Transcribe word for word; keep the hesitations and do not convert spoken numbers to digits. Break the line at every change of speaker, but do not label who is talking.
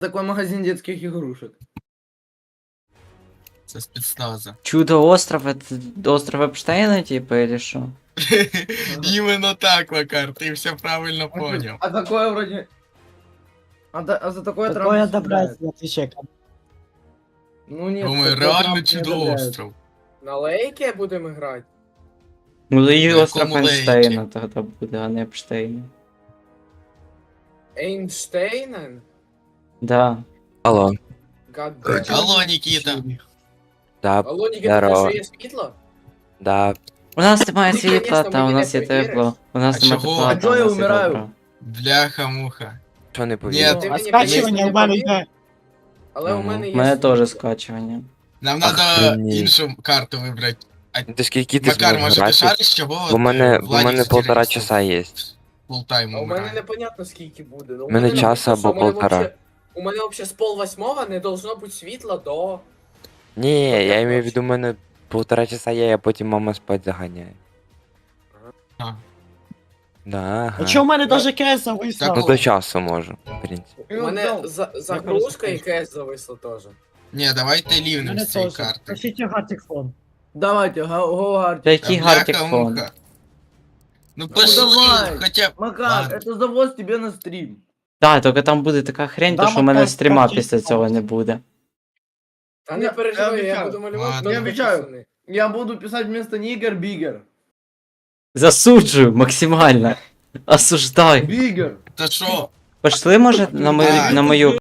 Такой магазин детских игрушек.
Це спецназа.
Чудо-остров, это остров Эпштейна, типа, или что?
Іменно так, Макар, ти все правильно понял.
А такое вроде... А, да- а за такое
Такое
Трамп
одобрять
съедает.
не отвечай.
Ну нет,
Думаю,
такое
реально
Трамп не одобряет.
чудо-остров.
На лейке будемо грати?
Ну, и
На
остров
каком лейке?
Эйнштейна тогда будет, а не Эпштейна.
Ейнштейнен?
Да.
Алло,
Гадде.
Алло, Нікіта.
да,
Алло, Ніки,
здорово.
ти є світло?
да,
У нас немає
Ти,
світла,
конечно,
та у
мені
нас
не
є
повіриш.
тепло. У нас
А
немає
чого?
тепла,
А
та
чого
у
я
нас є
вмираю?
добро.
Бляха-муха.
що не
Ні,
повірив?
Ти
А
мені
скачування
повіриш,
в мене
не
йде.
Але у
Мгм.
мене
У
є
мене
світло.
теж скачування.
Нам треба
Охренеть.
іншу карту вибрати.
Ти скільки ти
Макар,
зможеш
може ти
грати?
шариш, чого?
У мене,
от,
у
Владик
мене
з
полтора
терористів
часа є.
фултайм
А у мене
умирає.
непонятно скільки буде. Ну, у
Мене
написано,
час
що
або
у мене
полтора.
вообще- У мене взагалі з пол восьмого не должно бути світла до...
Ні,
як
я имею в
точно?
виду, у мене полтора часа є, а потім мама спать заганяє.
А.
Да,
А
ага.
чого в мене
Ну,
даже кес зависло?
Ну до часу можу, в принципі.
У мене за- загрузка і КС зависла теж.
Ні, давайте
У
лівнем
мене
з цієї
теж.
карти.
Пишіть гартик фон.
Давайте, го, го Гартик.
Та який
Та
гартик
бляха-муха.
фон?
Ну пошли,
давай.
хоча б...
Макар,
Ладно.
это завоз тебе на стрим.
Так, тільки там буде така хрень, то
Да,
що у мене
Макар,
стріма
скажи,
після цього
пожалуйста.
не буде.
Та
Я-
не
я
переживай, я
обіцяю.
буду малювати.
Ладно.
Я
кнопки,
обіцяю.
пацани.
Я буду писать вместо нигер бигер.
Засуджую максимально. Осуждаю.
Бигер.
Та що?
Пошли, може, на мою,
Так.
на мою